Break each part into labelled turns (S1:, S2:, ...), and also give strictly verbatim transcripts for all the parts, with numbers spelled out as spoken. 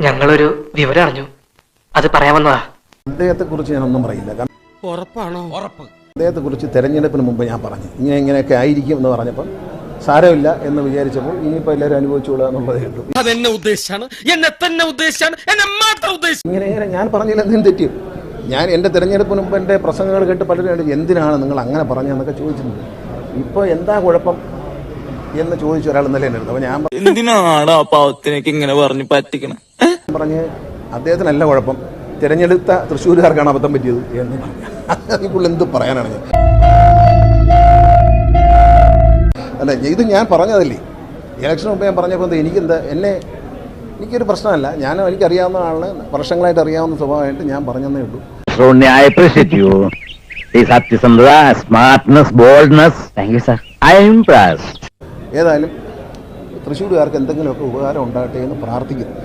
S1: ഞങ്ങളൊരു വിവരം അറിഞ്ഞു, അത് പറയാമെന്നതാ.
S2: അദ്ദേഹത്തെ കുറിച്ച് ഞാനൊന്നും പറയില്ല.
S3: ഉറപ്പാണോ? ഉറപ്പ്.
S2: അദ്ദേഹത്തെ കുറിച്ച് തെരഞ്ഞെടുപ്പിന് മുമ്പ് ഞാൻ പറഞ്ഞു ഇങ്ങനെ ഇങ്ങനെയൊക്കെ ആയിരിക്കും എന്ന് പറഞ്ഞപ്പം സാരമില്ല എന്ന് വിചാരിച്ചപ്പോൾ ഇനിയിപ്പോൾ എല്ലാവരും അനുഭവിച്ചോളുക എന്നുള്ളതേ ഉള്ളൂ.
S3: അതെന്നെ ഉദ്ദേശിച്ചാണ്, എന്നെ തന്നെ ഉദ്ദേശിച്ചാണ്, എന്നെ മാത്രം ഉദ്ദേശിച്ചു.
S2: ഇങ്ങനെ ഇങ്ങനെ ഞാൻ പറഞ്ഞില്ല, എന്തും തെറ്റി. ഞാൻ എൻ്റെ തെരഞ്ഞെടുപ്പിന് മുമ്പ് എൻ്റെ പ്രസംഗങ്ങൾ കേട്ട് പലരും എന്തിനാണ് നിങ്ങൾ അങ്ങനെ പറഞ്ഞതെന്നൊക്കെ ചോദിച്ചിട്ടുണ്ട്. ഇപ്പോൾ എന്താ കുഴപ്പം എന്ന് ചോദിച്ച ഒരാൾ ഇന്നലെ എൻ്റെ അടുത്ത്. അപ്പോൾ ഞാൻ
S4: എന്തിനാണ് ആ പാവത്തിനേക്ക് ഇങ്ങനെ പറഞ്ഞ് പറ്റിക്കണം
S2: പറഞ്ഞ് അദ്ദേഹത്തിനല്ല കുഴപ്പം, തിരഞ്ഞെടുത്ത തൃശ്ശൂരുകാർക്കാണ് അബദ്ധം പറ്റിയത് എന്ന് പറഞ്ഞു. അതിൽ എന്ത് പറയാനാണ് ഞാൻ? അല്ല, ഇത് ഞാൻ പറഞ്ഞതല്ലേ ഇലക്ഷൻ മുമ്പ് ഞാൻ പറഞ്ഞപ്പോൾ എനിക്കെന്താ എന്നെ എനിക്കൊരു പ്രശ്നമല്ല. ഞാൻ എനിക്കറിയാവുന്ന ആളിന് വർഷങ്ങളായിട്ട് അറിയാവുന്ന സ്വഭാവമായിട്ട് ഞാൻ പറഞ്ഞതേ ഉള്ളൂ. ഏതായാലും തൃശ്ശൂരുകാർക്ക് എന്തെങ്കിലുമൊക്കെ ഉപകാരം ഉണ്ടാകട്ടെ എന്ന് പ്രാർത്ഥിക്കുന്നു.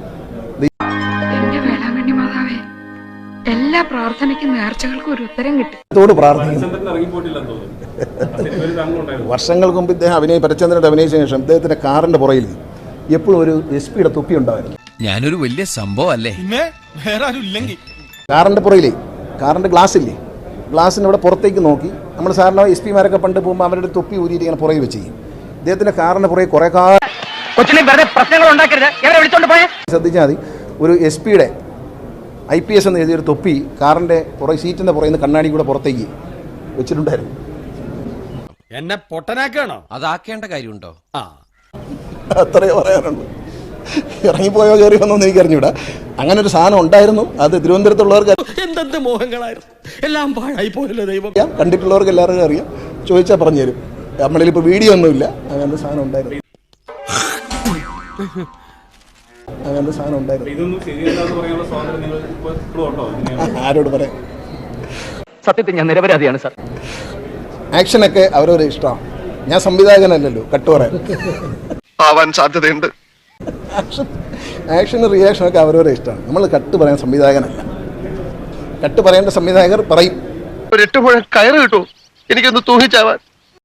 S5: എല്ലാ പ്രാർത്ഥനയ്ക്കും നേർച്ചകൾക്കും ഒരു ഉത്തരം കിട്ടും.
S2: അതോട് പ്രാർത്ഥിക്കുന്നു. വർഷങ്ങൾക്ക് മുമ്പ് ഇദ്ദേഹം അഭിനയ പരചന്ദ്രൻ അഭിനയിച്ച ശേഷം ഇദ്ദേഹത്തിന്റെ കാറിന്റെ പുറയിൽ എപ്പോഴും ഒരു എസ് പിയുടെ തൊപ്പി ഉണ്ടായിരുന്നു.
S6: ഞാനൊരു വലിയ സംഭവം അല്ലേ?
S2: കാറിന്റെ പുറയിലേ കാറിന്റെ ഗ്ലാസ് ഇല്ലേ, ഗ്ലാസിന്റെ അവിടെ പുറത്തേക്ക് നോക്കി നമ്മൾ സാറിന് എസ് പിമാരൊക്കെ പണ്ട് പോകുമ്പോൾ അവരുടെ തൊപ്പി ഊരിയിട്ട് ഇങ്ങനെ പുറകെ വെച്ച് ചെയ്യും. ഇദ്ദേഹത്തിന്റെ കാറിന്റെ പുറകെ കുറെ കാലം ശ്രദ്ധിച്ചാൽ മതി, ഒരു എസ് പിയുടെ ഐ പി എസ് എന്ന് എഴുതിയൊരു തൊപ്പി കാറിന്റെ പുറകെ സീറ്റിന്റെ പുറകെ നിന്ന് കണ്ണാടി കൂടെ പുറത്തേക്ക് വെച്ചിട്ടുണ്ടായിരുന്നു.
S3: എന്നെ പൊട്ടനാക്കാണോ?
S6: അതാക്കേണ്ട കാര്യമുണ്ടോ?
S3: ആ,
S2: അത്രേ പറയാനുള്ളൂ. ഇറങ്ങിപ്പോയോ കയറി വന്നോന്ന് എനിക്ക് അറിഞ്ഞൂടാ. അങ്ങനെ ഒരു സാധനം ഉണ്ടായിരുന്നു. അത് തിരുവനന്തപുരത്തുള്ളവർക്ക്
S3: എന്തെന്ത് മോഹങ്ങളായിരുന്നു, എല്ലാം പാഴായി പോയല്ലോ ദൈവം.
S2: കണ്ടിട്ടുള്ളവർക്ക് എല്ലാവർക്കും അറിയാം, ചോദിച്ചാൽ പറഞ്ഞു തരും. നമ്മളിൽ ഇപ്പോൾ വീഡിയോ ഒന്നുമില്ല. അങ്ങനത്തെ സാധനം ഉണ്ടായിരുന്നു അങ്ങനത്തെ സാധനം ഉണ്ടായിരുന്നു ആരോട് പറയാം?
S1: സത്യത്തിൽ ഞാൻ നിരപരാധിയാണ് സാർ.
S2: ആക്ഷനൊക്കെ അവരവരെ ഇഷ്ടമാണ്. ഞാൻ സംവിധായകനല്ലല്ലോ കട്ട് പറയാൻ.
S7: ആവാൻ സാധ്യതയുണ്ട്.
S2: ആക്ഷൻ ആക്ഷനും റിയാക്ഷനൊക്കെ അവരവരെ ഇഷ്ടമാണ്. നമ്മൾ കട്ട് പറയാൻ സംവിധായകനല്ല. കട്ട് പറയേണ്ട സംവിധായകർ പറയും.
S7: ഒരു എട്ട് മുഴം കയറ് കിട്ടുമോ എനിക്കൊന്ന് തൂങ്ങിച്ചാവാൻ?